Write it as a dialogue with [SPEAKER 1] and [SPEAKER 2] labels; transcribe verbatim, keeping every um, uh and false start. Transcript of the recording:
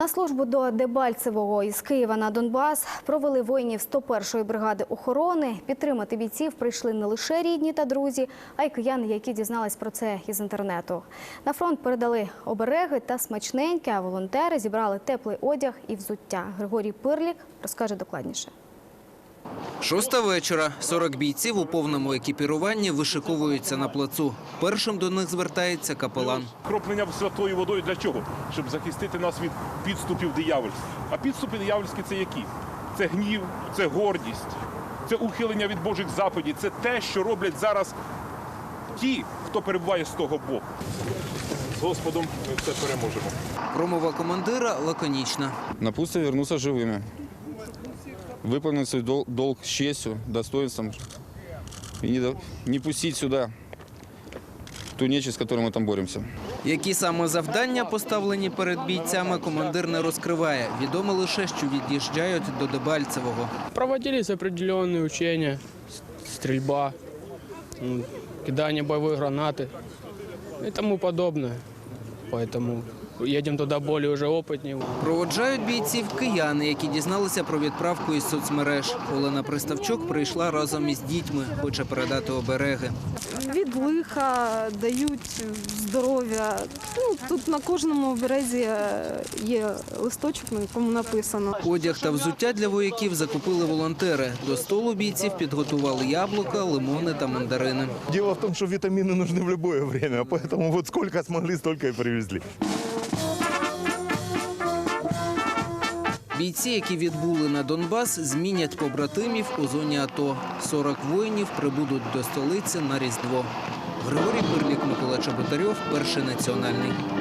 [SPEAKER 1] На службу до Дебальцевого із Києва на Донбас провели воїнів сто першої бригади охорони. Підтримати бійців прийшли не лише рідні та друзі, а й кияни, які дізнались про це із інтернету. На фронт передали обереги та смачненьке, а волонтери зібрали теплий одяг і взуття. Григорій Пирлік розкаже докладніше.
[SPEAKER 2] Шоста вечора. сорок бійців у повному екіпіруванні вишиковуються на плацу. Першим до них звертається капелан.
[SPEAKER 3] Кроплення святою водою для чого? Щоб захистити нас від підступів диявольських. А підступи диявольські – це які? Це гнів, це гордість, це ухилення від Божих заповідей. Це те, що роблять зараз ті, хто перебуває з того боку. З Господом ми все переможемо.
[SPEAKER 2] Промова командира лаконічна.
[SPEAKER 4] Напутствие вернуться живыми. Выполнить свой дол долг с честью, достоинством. И не, не пустить сюда ту нечисть, с которой мы там боремся.
[SPEAKER 2] Які саме завдання поставлені перед бійцями, командир не розкриває. Відомо лише, що від'їжджають до Дебальцевого.
[SPEAKER 5] Проводились определенные учения, стрельба, кидание боевой гранаты и тому подобное. Поэтому едем туда более уже опытнее.
[SPEAKER 2] Проводжають бійців кияни, які дізналися про відправку із соцмереж. Олена Приставчук прийшла разом із дітьми, хоче передати обереги.
[SPEAKER 6] Від лиха дають здоров'я. Ну, тут на кожному оберезі є листочок, на якому написано.
[SPEAKER 2] Одяг та взуття для вояків закупили волонтери. До столу бійців підготували яблука, лимони та мандарини.
[SPEAKER 7] Дело в том, что витамины нужны в любое время, поэтому вот сколько смогли, столько и привезли.
[SPEAKER 2] Бійці, які відбули на Донбас, змінять побратимів у зоні АТО. сорок воїнів прибудуть до столиці на Різдво. Григорій Пирлік, Микола Чеботарьов, Перший національний.